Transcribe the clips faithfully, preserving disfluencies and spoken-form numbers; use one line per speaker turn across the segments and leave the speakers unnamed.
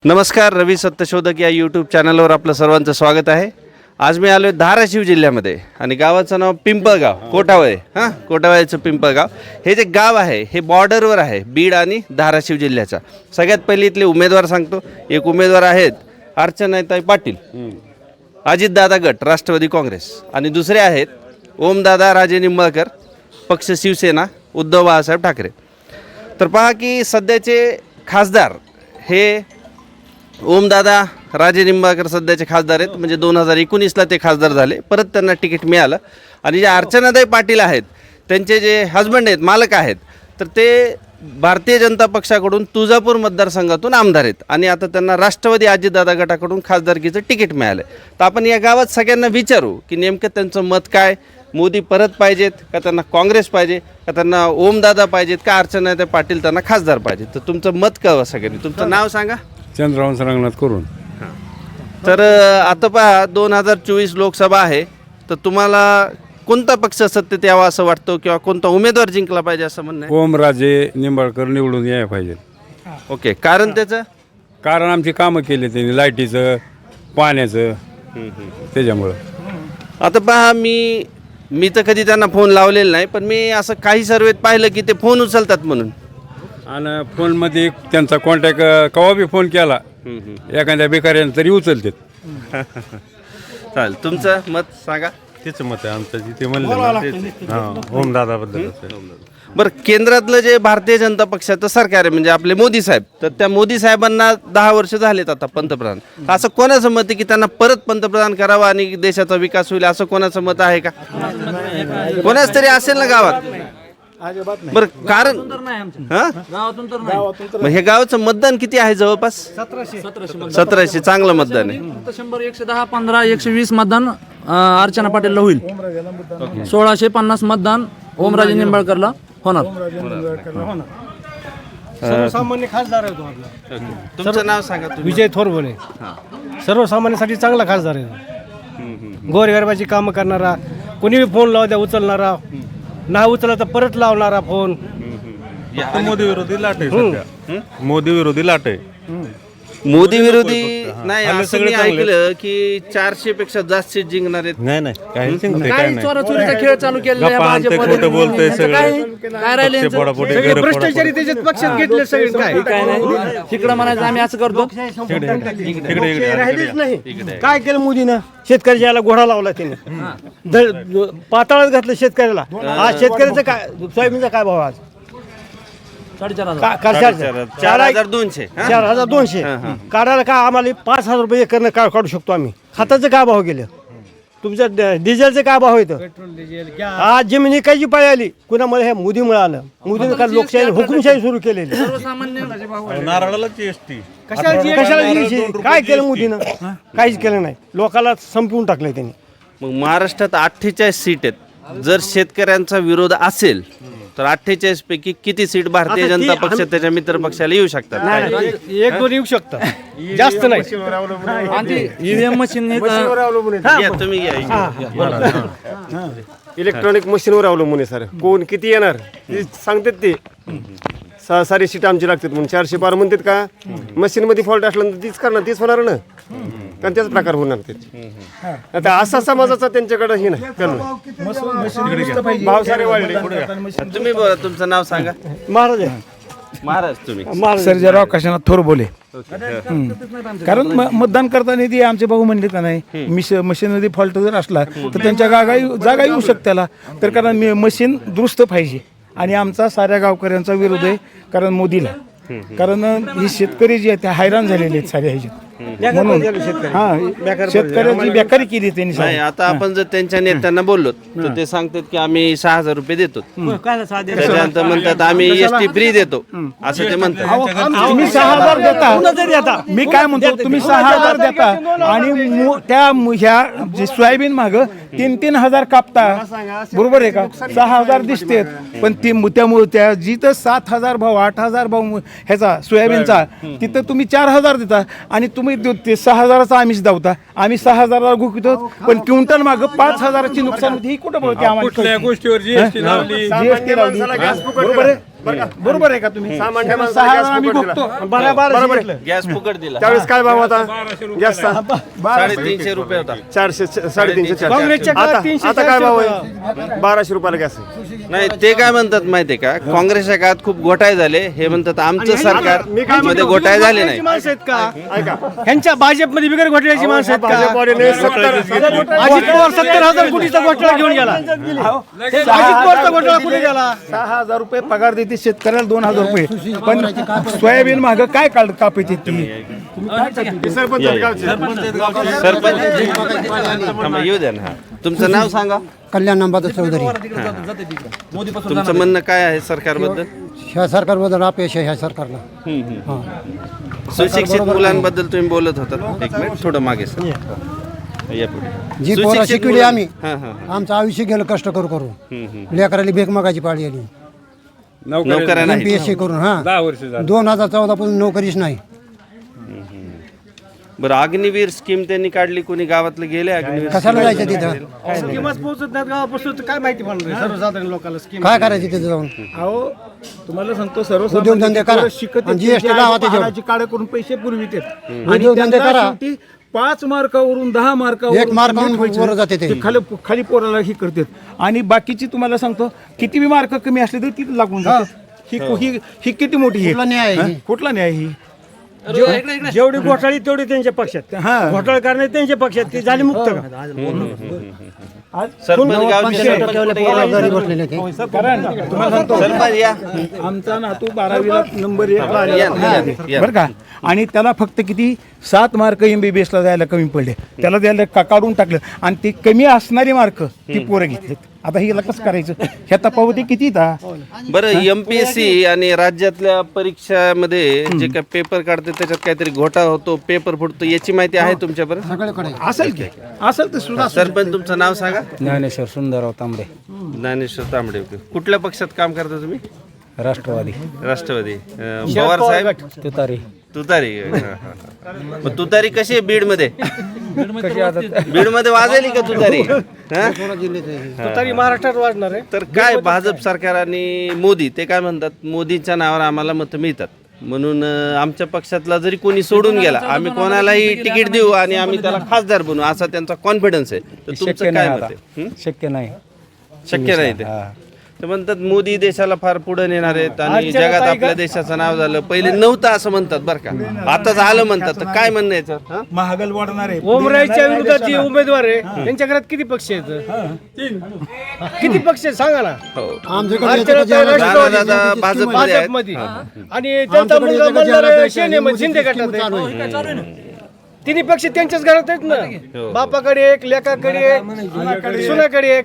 नमस्कार, रवी सत्यशोधक या यूट्यूब चॅनलवर आपलं सर्वांचं स्वागत आहे. आज मी आलो आहे धाराशिव जिल्ह्यामध्ये आणि गावाचं नाव पिंपळगाव, कोटावळे. हां, कोटावळेचं पिंपळगाव हे जे गाव आहे हे बॉर्डरवर आहे बीड आणि धाराशिव जिल्ह्याचा. सगळ्यात पहिले इथले उमेदवार सांगतो. एक उमेदवार आहेत अर्चनाताई पाटील, अजितदादा गट राष्ट्रवादी काँग्रेस, आणि दुसरे आहेत ओमदादा राजे निंबाळकर पक्ष शिवसेना उद्धव बाळासाहेब ठाकरे. तर पहा की सध्याचे खासदार हे ओमदादा राजे निंबाळकर सध्याचे खासदार आहेत. म्हणजे दोन हजार एकोणीसला ते खासदार झाले, परत त्यांना तिकीट मिळालं. आणि जे अर्चनाताई पाटील आहेत त्यांचे जे हजबंड आहेत, मालक आहेत, तर ते भारतीय जनता पक्षाकडून तुळजापूर मतदारसंघातून आमदार आहेत आणि आता त्यांना राष्ट्रवादी अजितदादा गटाकडून खासदारकीचं तिकीट मिळालं. तर आपण या गावात सगळ्यांना विचारू की नेमकं त्यांचं मत काय, मोदी परत पाहिजेत का, त्यांना काँग्रेस पाहिजे का, त्यांना ओमदादा पाहिजेत का, अर्चनाताई पाटील त्यांना खासदार पाहिजेत. तर तुमचं मत कळवा सगळ्यांनी. तुमचं नाव सांगा.
चंद्रवंश रंगनाथ करून.
तर आता पहा दोन हजार चोवीस लोकसभा आहे, तर तुम्हाला कोणता पक्ष सत्तेत यावा असं वाटतं किंवा कोणता उमेदवार जिंकला पाहिजे असं म्हणणं आहे?
ओमराजे निंबाळकर निवडून यायला पाहिजे.
ओके, कारण त्याचं
कारण आमची कामं केली त्यांनी, लाईटीचं, पाण्याचं, त्याच्यामुळं.
आता पहा मी मी तर कधी त्यांना फोन लावलेला नाही, पण मी असं काही सर्वेत पाहिलं की ते फोन उचलतात म्हणून.
आणि फोनमध्ये त्यांचा कॉन्टॅक्ट केव्हा बी फोन केला एखाद्या बेकाऱ्यानं तरी उचलतात.
चालेल, तुमचं मत सांगा.
तेच मत आहे आमचं, जिथे म्हणलं हां ओमदादाबद्दल.
बरं, केंद्रातलं जे भारतीय जनता पक्षाचं सरकार आहे म्हणजे आपले मोदी साहेब, तर त्या मोदी साहेबांना दहा वर्ष झालेत आता पंतप्रधान. असं कोणाचं मत आहे की त्यांना परत पंतप्रधान करावं आणि देशाचा विकास होईल, असं कोणाचं मत आहे का? कोणाच तरी असेल ना गावात. बरं, कारण हां मग हे गावाचं मतदान किती आहे? जवळपास सतराशे. चांगलं मतदान आहे.
शंभर एकशे दहा पंधरा एकशे वीस मतदान अं, अर्चना पाटीलला होईल. सोळाशे पन्नास मतदान ओमराजे निंबाळकरला होणार.
सर्वसामान्य खासदार आहे तो आपला.
तुमचं नाव सांगा तुम्ही.
विजय थोरबोले. सर्वसामान्यांसाठी चांगला खासदार आहे. गोरगरिबाची कामं करणारा, कोणी बी फोन लावू द्या उचलणारा, ना उचलला तर परत लावणारा फोन.
मोदी विरोधी लाट आहे सध्या. मोदी विरोधी लाट आहे.
मोदी विरोधी नाही असं मी ऐकलं की चारशे पेक्षा जास्त सीट जिंकणार आहेत.
नाही नाही काही चिंता काय
काही
नाही.
चोराचोरीचा खेळ चालू केलेला आहे
गप्पा आणते,
भाजपमध्ये.
खोटं बोलतंय
यांचं
सगळं.
काय काय राहिले यांचं?
पोटापोटी
सगळे
घर
भ्रष्टाचारी त्याच्यात पक्षात घेतले सगळे. काय
काय नाही तिकडं म्हणायचं आम्ही असं करतो.
राहिलेच नाही. काय केलं मोदीनं? शेतकऱ्याच्या याला घोडा लावला त्याने, द- पाताळात घातलं शेतकऱ्याला. आज शेतकऱ्याचं काय, सोयाबीनचा काय भाव आज?
साडेचार हजार
का- का- चार
चार हजार दोनशे हा?
चार हजार दोनशे काढायला काय आम्हाला पाच हजार रुपये एकरनं का काढू शकतो आम्ही. खताचं काय भाव गेलं? तुमचं ड- डिझेलचं काय भाव येतं? आज जमीन विकायची पाळी आली कुणामुळे? हे मोदीमुळे आलं. मोदीने काय लोकशाही हुकुमशाही सुरू केलेली.
सर्वसामान्य
नारळाला जीएसटी.
कशाला कशाला द्यायची? काय केलं मोदीनं? काहीच केलं नाही. लोकांना संपवून टाकलंय त्यांनी.
मग महाराष्ट्रात अठ्ठेचाळीस सीट आहेत. जर शेतकऱ्यांचा विरोध असेल तर अठ्ठेचाळीस पैकी किती सीट भारतीय
आता ती
जनता पक्ष त्याच्या मित्र पक्षाला येऊ शकतात?
नाही, नाही, एक दोन येऊ शकतं, जास्त नाही.
ईव्हीएम मशीन
या, तुम्ही घ्या.
इलेक्ट्रॉनिक मशीनवर अवलंबून आहे सर. कोण किती येणार ते सांगतात. ते सा सारी सीट आमची लागतात म्हणून चारशे बारा म्हणतात का. मशीनमध्ये फॉल्ट असल्यानंतर तीच करणार, तीच होणार ना, कारण त्याच प्रकार होणार ते. आता असा समाजाचा त्यांच्याकडे हे नाही करणं. भाव सारे वाढले.
तुम्ही बोला, तुमचं नाव सांगा.
महाराज आहे.
महाराज तुम्ही.
महाराज
सर्जेराव काशीनाथ थोरबोले. कारण म- मतदान करताना ते आमचे भाऊ म्हणले का नाही, मिश मशीनमध्ये फॉल्ट जर असला तर त्यांच्या जागा जागा येऊ शकते त्याला. तर कारण मी मशीन दुरुस्त पाहिजे आणि आमचा साऱ्या गावकऱ्यांचा विरोध आहे कारण मोदीला. कारण ही शेतकरी जे आहेत ते हैराण झालेले आहेत साऱ्या ह्याच्यात. म्हणून हा शेतकऱ्यांची बेकारी केली त्यांनी.
नाही, आता आपण जर त्यांच्या नेत्यांना बोललो तर ते सांगतात की आम्ही सहा हजार रुपये देतो. त्याच्यानंतर म्हणतात आम्ही एस टी फ्री देतो असं ते म्हणतात.
तुम्ही सहा हजार देता, मी काय म्हणतो, तुम्ही सहा हजार देता आणि मु- त्या मु- ह्या जे सोयाबीन माग तीन तीन हजार कापता, बरोबर आहे का? सहा हजार दिसते पण ती मु- त्यामुळे त्या जिथं सात हजार भाव आठ हजार भाव मु- ह्याचा सोयाबीनचा तिथं तुम्ही चार हजार देता आणि तुम्ही दो- ते सहा हजाराचा आम्हीच दावता. आम्ही सहा हजाराला गुकितो पण क्विंटल माग पाच हजाराची नुकसान होती. ही कुठं बोलते आम्हाला?
कुठल्या गोष्टीवर जीएसटी लावली?
जीएसटी लावली, बरोबर आहे. बरोबर आहे का तुम्ही
सामान्य माणसाला
सहा
गॅस
हजार आम्ही
फुकट
बघतो
दिला.
बरोबर
बरोबर आहे.
गॅस फुकट दिला
त्यावेळेस काय भाव होता गॅसचा
साडेतीनशे रुपये होता
चारशे साडेतीनशे चारशे
काँग्रेसच्या काळात
आता
तीनशे,
आता काय
चारशे
भाव आहे बाराशे रुपयाला गॅस आहे.
नाही ते काय म्हणतात माहितीये का काँग्रेसच्या काळात खूप घोटाळे झाले हे म्हणतात आमचं सरकार
मी काय
मध्ये
म्हणतो,
घोटाळे झाले नाही
माणसं आहेत का
ऐका
ह्यांच्या भाजपमध्ये बिगर घोटाळ्याची माणसं आहेत का
भाजपवाल्याने सत्तर
अजित पवार सत्तर हजार कोटीचा घोटाळा घेऊन गेला अजित पवारचा घोटाळा कुठे गेला
सहा हजार रुपये पगार देते शेतकऱ्याला दोन हजार रुपये पण सोयाबीन माग काय काढ कापायचे तुम्ही
सरपंच गावचे.
सरपंच थांबा, येऊ द्या ना हा. तुमचं नाव सांगा
कल्याण अंबादास चौधरी
तुमचं म्हणणं काय आहे सरकारबद्दल
ह्या सरकारबद्दल अपयश आहे ह्या सरकारला
सुशिक्षित मुलांबद्दल तुम्ही बोलत होतात एक मिनिट थोडं मागे सर या पुढे.
जी पोरं
सुशिक्षित
शिकवली
मुलं-
आम्ही
हां, हां.
आमचं आयुष्य गेलं कष्ट करू करू
हम्म, हम्म.
लेकराली भेक मागायची पाळी आली
नोकऱ्या
एम
नाही
पी एस सी करून हा
दहा वर्ष झाली.
दोन हजार चौदा पासून नोकरीच नाही
बरं अग्निवीर स्कीम त्यांनी काढली कोणी गावातले गेले अग्निवीर
कशाला जायचं तिथं
किंमत पोहोचत नाहीत गावापासून तर काय माहिती पडणार सर्वसाधारण लोकांना स्कीम
काय करायचं तिथं जाऊन
अहो तुम्हाला सांगतो
उद्योगधंदे करा. आणि जी एस टी लावा त्याच्यावर.
काढ करून पैसे पुरवित आणि
उद्योगधंदे
त्यांना
करा.
शेवटी पाच मार्कावरून दहा मार्कावर
एक मार्कावरून वर जाते ते.
खाली खाली पोराला ही करतात आणि बाकीची तुम्हाला सांगतो किती बी मार्क कमी असले तरी तिथे लागून जातात ही ही ही किती मोठी आहे
कुठला न्याय आहे
हा?
ही?
कुठला न्याय ही
जेवढी घोटाळी तेवढी त्यांच्या पक्षात
हा.
घोटाळा करणे त्यांच्या पक्षात ती झाली मुक्त का
सरपंच गावचे सरपंच कुठे गेले?
घरी बसलेले ते
कारण तुम्हाला सांगतो
सरपंच या
आमचा नातू बारावीला नंबर एक
या, या, या.
बरं का आणि त्याला फक्त किती सात मार्क एमबीबीएस ला द्यायला कमी पडले त्याला द्यायला का- काढून टाकलं आणि ते कमी असणारी मार्क ती पोरं घेतलेत आता हिला कसं करायचं ह्या तफावती किती था
बरं एमपीएससी आणि राज्यातल्या परीक्षामध्ये जे काय पेपर काढते त्याच्यात काहीतरी घोटाळा होतो पेपर फुटतो याची माहिती आहे तुमच्यापर्यंत
सगळीकडे
असेल की असेल तर सुद्धा
सरपंच तुमचं नाव सांगा
ज्ञानेश्वर सुंदरराव तांबडे
ज्ञानेश्वर तांबडे ओके. कुठल्या पक्षात काम करता तुम्ही
राष्ट्रवादी
राष्ट्रवादी अं, पवार साहेब
तुतारी
तुतारी हा, हा, हा. मग तुतारी कशी आहे बीड मध्ये बीड मध्ये वाजेली का तुतारी हा?
तरी महाराष्ट्रात वाढणार आहे
तर काय भाजप सरकार आणि मोदी ते काय म्हणतात मोदीच्या नावावर आम्हाला मतं मिळतात म्हणून अं, आमच्या पक्षातला जरी कोणी सोडून गेला आम्ही कोणालाही तिकीट देऊ आणि आम्ही त्याला खासदार बनवू असा त्यांचा कॉन्फिडन्स आहे तर तुमचं
शक्य
काय
नाही
मत
आता.
आहे हं?
शक्य नाही
शक्य नाही ते
हा.
ते म्हणतात मोदी देशाला फार पुढे नेणार आहेत आणि जगात आपल्या देशाचं नाव झालं पहिले नव्हतं असं म्हणतात बरं का आता झालं म्हणतात तर काय म्हणणं याचं हं?
महागल वाढणार आहे
ओमरायच्या विरोधात जे उमेदवार आहे त्यांच्या घरात किती पक्ष आहेत किती पक्ष आहेत सांगा ना
हो
आमच्याकडे
आजच्या
याच्यात
रात्री
जेवणाची
दादा
स्कीम आहे.
भाजपमध्ये आहेत.
भाजपमध्ये आणि त्यांचा
आमच्याकडे
मुलगा
याच्यात
मल्हार
जेवणाची
सेनेमध्ये
स्कीम
शिंदे
चालू
गटात
आहे.
आहे. तिन्ही पक्ष त्यांच्याच घरात आहेत ना बापाकडे एक लेकाकडे एक सुनाकडे एक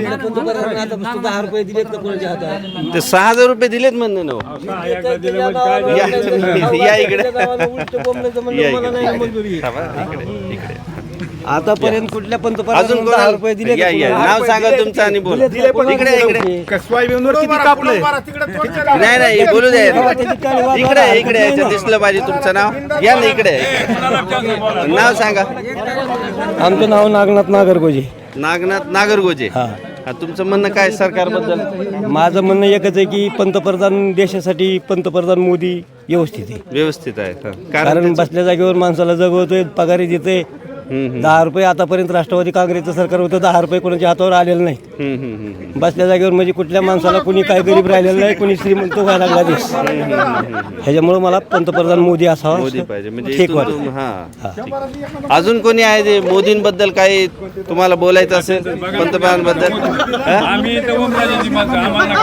ते सहा हजार रुपये दिलेत म्हणणं ना हो. या या इकडे या इकडे. थांबा, इकडे इकडे
आतापर्यंत कुठल्या
अजून
पंतप्रधान दहा
कोणाला
रुपये दिले
या या नाव सांगा तुमचं आणि बोला इकडे इकडे
सोयाबीनवर किती कापलंय
नाही नाही बोलू द्या इकडे इकडे याचं दिसलं पाहिजे तुमचं नाव या ना इकडे नाव सांगा
आमचं नाव नागनाथ नागरगोजे
नागनाथ नागरगोजे हा तुमचं म्हणणं काय सरकारबद्दल
माझं म्हणणं एकच आहे की पंतप्रधान देशासाठी पंतप्रधान मोदी व्यवस्थित आहे
व्यवस्थित आहे हा. कारण
कारण बसल्या जागेवर माणसाला जगवतोय पगारी देते दहा रुपये आतापर्यंत राष्ट्रवादी काँग्रेसचं सरकार होतं दहा रुपये कोणाच्या हातावर आलेलं नाही
हम्म, हम्म, हम्म.
बसल्या जागेवर म्हणजे कुठल्या माणसाला कुणी काय गरीब राहिलेलं नाही कुणी श्रीमंत व्हायला लागला देश ह्याच्यामुळे मला पंतप्रधान मोदी असावा
मोदी पाहिजे म्हणजे
ठीक
इथून
वाटतं
तुम- हा ठीक. अजून कोणी आहे जे मोदींबद्दल काही तुम्हाला बोलायचं असेल पंतप्रधानबद्दल हा?
आम्ही इथं ओमराजेची माणसं आम्हाला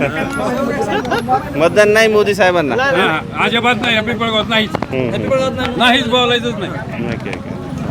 मतदान नाही मोदी साहेबांना
हा, अजिबात नाही हॅपी पळगावत नाहीच नाहीच बोलायचंच नाही
ओके, ओके.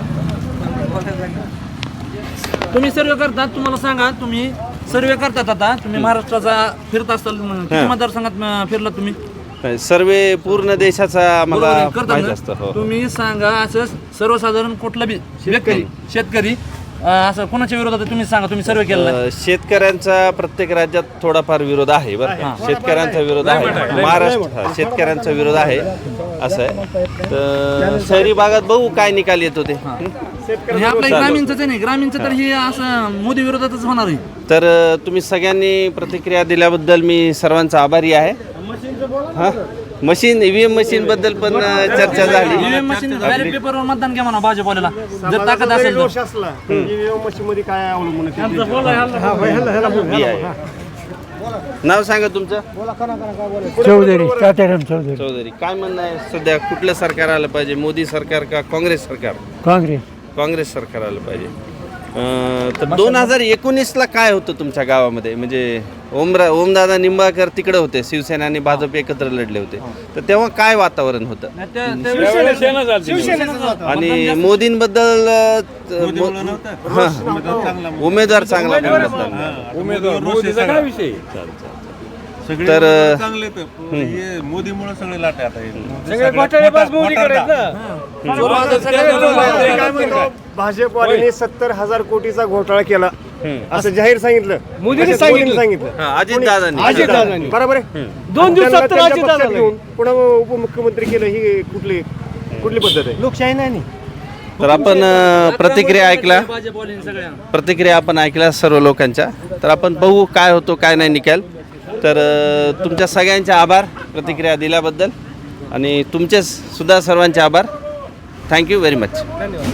तुम्ही सर्वे करतात तुम्हाला सांगा तुम्ही सर्वे करतात आता तुम्ही महाराष्ट्राचा फिरत असाल किती मतदारसंघात अं, फिरला तुम्ही
नाही, सर्वे पूर्ण देशाचा
बरोबर
आम्हाला
आहे, करतात
माहित
ना?
असतं हो
तुम्ही सांगा असं सर्वसाधारण कुठला बी व्यक्ती शेतकरी अं, असं कोणाच्या विरोधात आहे तुम्ही सांगा, तुम्ही सर्वे केलेला आहे.
अ, शेतकऱ्यांचा प्रत्येक राज्यात थोडाफार विरोध आहे बरं का? शेतकऱ्यांचा विरोध आहे महाराष्ट्र हा, शेतकऱ्यांचा विरोध आहे असं आहे. तर शहरी भागात बघू काय निकाल येतो ते.
हे आपलं ग्रामीणच आहे नाही, ग्रामीणचं तर हे असं मोदी विरोधातच होणार आहे.
तर अ, तुम्ही सगळ्यांनी प्रतिक्रिया दिल्याबद्दल मी सर्वांचा आभारी आहे. हा मशीन ईव्हीएम मशीन बद्दल पण अ, चर्चा झाली.
ईव्हीएम मशीन बॅलेट पेपरवर मतदान घ्या म्हणा भाजपवाल्याला जर ताकद असेल तर.
दोष असला ईव्हीएम मशीन मध्ये काय अवलंबून आहे ते.
मी आहे. नाव सांगा तुमचं.
चौधरी तात्याराम चौधरी
चौधरी. काय म्हणणं आहे सध्या कुठलं सरकार आलं पाहिजे, मोदी सरकार का काँग्रेस सरकार?
काँग्रेस
काँग्रेस सरकार आलं पाहिजे. अं, तर दोन हजार एकोणीसला काय होतं तुमच्या गावामध्ये? म्हणजे ओमरा ओमदादा निंबाळकर तिकडे होते, शिवसेना आणि भाजप एकत्र लढले होते, तर तेव्हा काय वातावरण होतं?
नाही, त्या- त्या-
सेना झाली.
आणि मोदींबद्दल अं, मो- हां, उमेदवार चांगला म्हणतात.
उमेदवार मोदीचा काय विषय
सगळे
तर,
उमेदवार चांगले तर हे मोदीमुळे सगळे लाटे आता हे.
सगळे घोटाळेबाज मोदी करायचं ना.
काय म्हणतो, भाजपवाल्यांनी सत्तर हजार कोटीचा घोटाळा केला असं जाहीर सांगितलं.
मोदींनी
असं
सांगितलं.
सांगितलं
हां, अजितदादांनी.
अजितदादांनी.
बरोबर आहे.
दोन दिवसात
त्यांना
तर
त्यांच्या
अजितदादा
पक्षात घेऊन पुन्हा उपमुख्यमंत्री केलं, ही कुठली कुठली पद्धत आहे?
लोकशाही नाही.
तर आपण अं, प्रतिक्रिया ऐकला
भाजपवाल्यांनी सगळ्या
प्रतिक्रिया आपण ऐकल्या सर्व लोकांच्या. तर आपण बघू काय होतो काय नाही निकाल. तर अ, तुमच्या सगळ्यांचे आभार प्रतिक्रिया दिल्याबद्दल आणि तुमचे सुद्धा सर्वांचे आभार. Thank you very much.